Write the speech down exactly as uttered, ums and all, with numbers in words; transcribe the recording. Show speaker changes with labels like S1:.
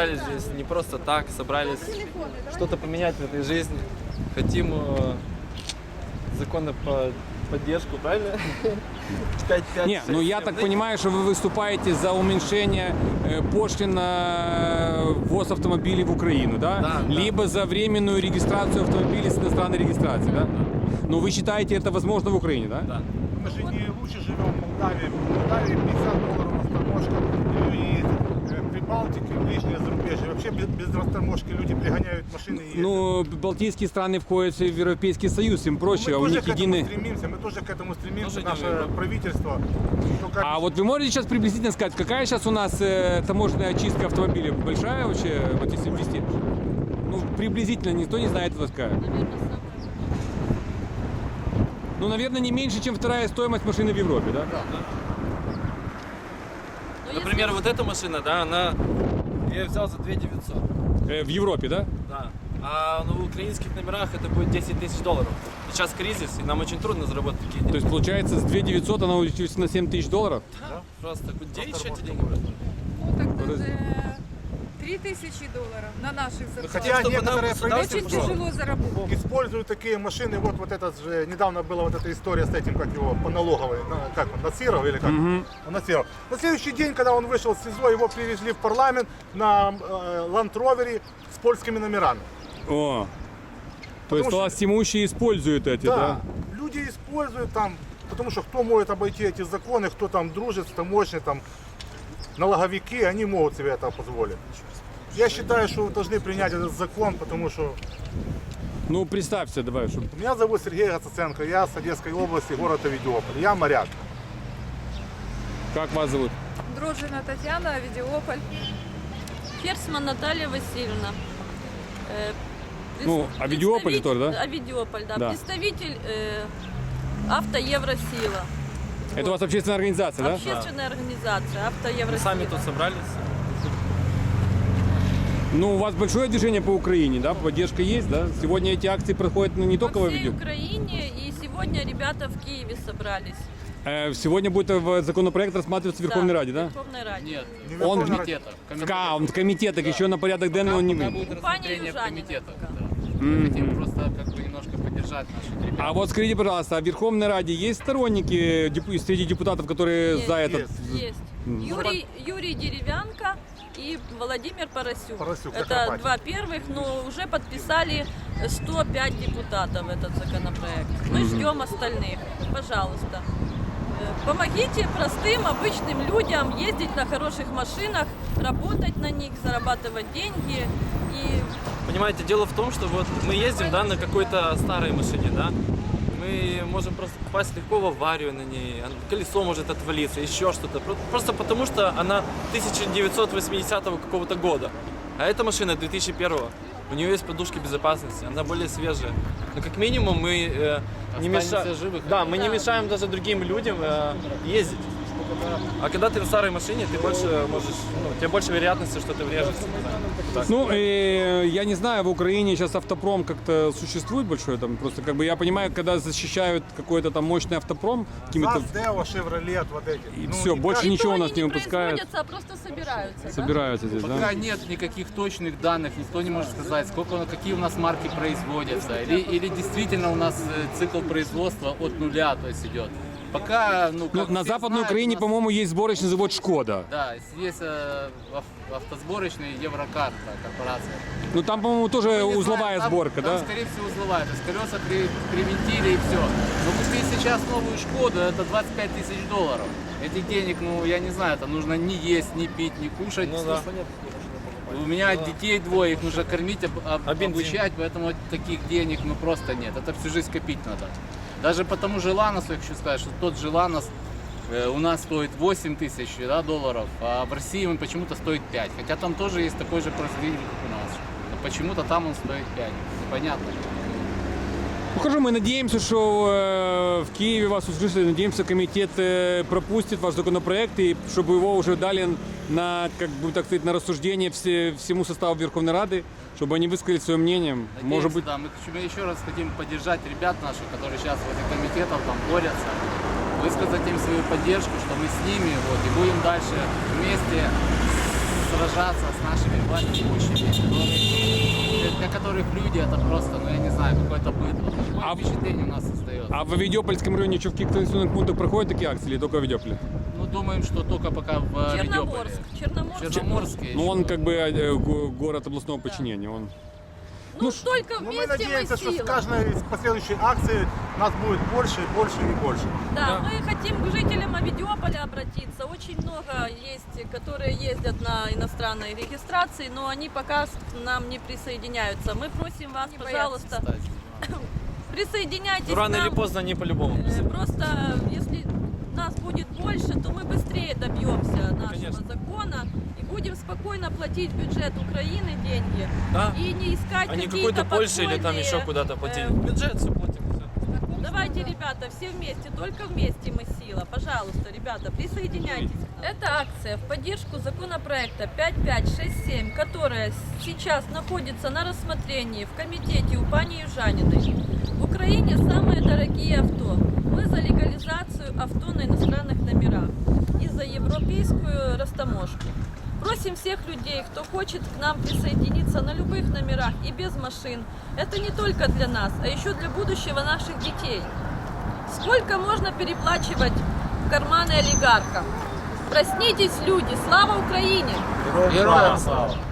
S1: собрались здесь не просто так, собрались что-то поменять в этой жизни. Хотим э, законы по поддержку, правильно? пять, пять,
S2: Не,
S1: шесть,
S2: ну я
S1: семь.
S2: так понимаю, что вы выступаете за уменьшение э, пошлин на ввоз автомобилей в Украину, да?
S1: Да, да.
S2: Либо за временную регистрацию автомобилей с иностранной регистрацией, да? Но вы считаете это возможно в Украине, да?
S1: Да.
S3: Мы же не лучше живем в Молдавии. В Молдавии пятьдесят долларов растаможка. И э, Прибалтике, ближнее зарубежье. Вообще без, без растаможки люди пригоняют машины и ездят.
S2: Ну, балтийские страны входят в Европейский Союз, им проще,
S3: мы
S2: а у
S3: тоже
S2: них
S3: к этому
S2: единый...
S3: стремимся, мы тоже к этому стремимся,
S1: Тоже не
S3: наше
S1: Европа.
S3: правительство. Только
S2: А вот вы можете сейчас приблизительно сказать, какая сейчас у нас э, таможенная очистка автомобилей? Большая вообще, вот если ввести? Ну, приблизительно, никто не знает, это сказать. Ну, наверное, не меньше, чем вторая стоимость машины в Европе, да?
S1: Например, вот эта машина, да, она... Я ее взял за две тысячи девятьсот.
S2: Э, в Европе, да?
S1: Да. А на украинских номерах это будет десять тысяч долларов. Сейчас кризис, и нам очень трудно заработать такие деньги.
S2: То есть, получается, с две тысячи девятьсот она увеличилась на семь тысяч долларов?
S1: Да, просто где еще эти деньги?
S4: Ну так даже три тысячи долларов на наших зарплатах.
S3: Хотя
S1: чтобы нам
S3: некоторые
S1: государство
S4: Очень
S3: правительства
S4: тяжело заработать.
S3: используют такие машины. Вот, вот этот же, недавно была вот эта история с этим, как его, по налоговой, на- как он, Насиров или как? Он Насиров. На следующий день, когда он вышел с СИЗО, его привезли в парламент на э, Ланд-Ровере с польскими номерами.
S2: О, то есть
S3: что-
S2: властимущие используют эти, да?
S3: Да, люди используют там, потому что кто может обойти эти законы, кто там дружит с таможней, там, налоговики, они могут себе это позволить. Я считаю, что вы должны принять этот закон, потому что
S2: Ну, представься, давай, чтобы...
S3: меня зовут Сергей Гацаценко, я с Одесской области, город Авидиополь, я моряк.
S2: Как вас зовут?
S4: Дрожжина Татьяна, Авидиополь.
S5: Ферсман Наталья Васильевна. Э, пред-
S2: Ну, Авидиополь
S5: представитель-
S2: тоже, да?
S5: Авидиополь, да.
S2: Да.
S5: Представитель э, Авто Евросила.
S2: Это у вас общественная организация, да?
S5: Общественная организация Авто
S1: Мы
S5: Евросила.
S1: сами тут собрались.
S2: Ну, у вас большое движение по Украине, да? Поддержка есть, да? Сегодня эти акции проходят ну, не только
S5: По
S2: в
S5: всей
S2: Авидио.
S5: Украине, и сегодня ребята в Киеве собрались.
S2: Э, сегодня будет в законопроект рассматриваться в Верховной Раде, да?
S5: В Верховной Раде.
S6: Нет,
S3: Не
S2: Он
S3: Верховная Рада.
S6: комитетов.
S2: Ка, он в комитетах, еще на порядок денный он не
S6: Пока
S2: выйдет.
S6: будет
S5: Пани
S6: рассмотрение в
S5: Южанина
S6: комитетах.
S5: пока.
S6: Да. Мы хотим просто как бы немножко поддержать наших ребят.
S2: А вот скажите, пожалуйста, а в Верховной Раде есть сторонники деп- среди депутатов, которые
S5: Есть,
S2: за этот?
S3: есть.
S5: Есть. Юрий, Юрий Деревянко и Владимир Поросюк.
S3: Поросюк,
S5: Это
S3: Закарпатье.
S5: два первых, но уже подписали сто пять депутатов этот законопроект. Мы ждем остальных. Пожалуйста. Э, Помогите простым, обычным людям ездить на хороших машинах, работать на них, зарабатывать деньги. И
S1: Понимаете, дело в том, что вот мы ездим, да, на какой-то старой машине, да, мы можем просто попасть легко в аварию на ней, колесо может отвалиться, еще что-то, Про- просто потому что она тысяча девятьсот восьмидесятого какого-то года, а эта машина две тысячи первого, у нее есть подушки безопасности, она более свежая, но как минимум мы э, не
S6: Останемся
S1: мешаем,
S6: живы,
S1: да, мы не
S5: Да.
S1: мешаем даже другим людям э, ездить. А когда ты на старой машине, ты больше можешь, ну, у тебя больше вероятности, что ты врежешься. Так.
S2: Ну, э, я не знаю, в Украине сейчас автопром как-то существует большой, там просто как бы я понимаю, когда защищают какой-то там мощный автопром какими-то...
S3: ЗАЗ, Део, Шевролет, вот эти.
S2: И
S3: Ну,
S2: всё,
S3: не
S2: больше
S3: каждый-
S2: ничего у
S5: то
S2: нас
S5: они
S2: не
S5: не
S2: выпускают.
S5: производятся, а просто собираются. да?
S2: Собираются здесь,
S6: Пока
S2: да?
S6: нет никаких точных данных, никто не может сказать, сколько, какие у нас марки производятся, или, или действительно у нас э, цикл производства от нуля, то есть идет. Пока, ну,
S2: Ну,
S6: как
S2: на
S6: все
S2: Западной
S6: знают,
S2: Украине,
S6: у нас-
S2: по-моему, есть сборочный завод «Шкода».
S6: Да, есть э, ав- автосборочный Еврокар, да, корпорация.
S2: Ну, там, по-моему, тоже
S6: Мы не
S2: узловая
S6: знаем, там-
S2: сборка,
S6: там,
S2: да?
S6: скорее всего, узловая. То есть колеса при- привинтили и все. Но купить сейчас новую Шкоду, это двадцать пять тысяч долларов. Этих денег, ну, я не знаю, это нужно не есть, не пить, не кушать.
S1: Ну да.
S6: У меня детей двое, их нужно кормить, об- об-
S1: А бензин?
S6: обучать, поэтому таких денег ну просто нет. Это всю жизнь копить надо. Даже по тому же Ланосу, я хочу сказать, что тот же Ланос э, у нас стоит восемь тысяч да, долларов, а в России он почему-то стоит пять. Хотя там тоже есть такой же производитель, как у нас. Но почему-то там он стоит пять. Непонятно.
S2: Ну, хорошо, мы надеемся, что э, в Киеве вас услышали, надеемся, комитет э, пропустит ваш законопроект, и чтобы его уже дали на, как бы, так сказать, на рассуждение все, всему составу Верховной Рады, чтобы они высказали свое мнение.
S6: Надеемся,
S2: Может быть,
S6: да, мы еще- еще раз хотим поддержать ребят наших, которые сейчас в этих комитетах там борются, высказать им свою поддержку, что мы с ними вот, и будем дальше вместе сражаться с нашими властимущими, которые, для, для которых люди это просто, ну я не знаю, какое-то быдло. Такое
S2: А-
S6: впечатление у нас создается.
S2: А в Авидиопольском районе что, в каких-то населенных пунктах проходят такие акции или только в Авидиополе?
S6: Ну, думаем, что только пока в э,
S5: Черноморск.
S6: Авидиополе.
S5: Черноморск.
S6: Черноморске
S2: Ну,
S6: еще.
S2: он как бы э, го- город областного подчинения. Он...
S5: Ну, только
S3: Но мы
S5: вместе мы
S3: надеемся, что с
S5: сила.
S3: каждой из последующей акции нас будет больше и больше и больше.
S5: Да, мы хотим к жителям Авидиополя обратиться. Очень много есть, которые ездят на иностранной регистрации, но они пока к нам не присоединяются. Мы просим вас,
S4: Не
S5: пожалуйста,
S6: Кстати,
S5: присоединяйтесь
S1: Ну, рано
S5: к нам.
S1: или поздно они по-любому.
S5: Э, Просто если нас будет больше, то мы быстрее добьемся нашего
S1: Конечно.
S5: закона и будем спокойно платить в бюджет Украины деньги
S1: Да.
S5: и не искать
S1: А не
S5: какие-то
S1: какой-то Польше или там
S5: подпольные,
S1: еще куда-то платить.
S5: э,
S1: Бюджет все платим. всё.
S5: Давайте, ребята, все вместе, только вместе мы сила. Пожалуйста, ребята, присоединяйтесь. Это акция в поддержку законопроекта пять пять шесть семь, которая сейчас находится на рассмотрении в комитете у пани Южаниной. В Украине самые дорогие авто. Мы за легализацию авто на иностранных номерах и за европейскую растаможку. Просим всех людей, кто хочет к нам присоединиться на любых номерах и без машин. Это не только для нас, а еще для будущего наших детей. Сколько можно переплачивать в карманы олигархам? Проснитесь, люди! Слава Украине!
S6: Героям слава!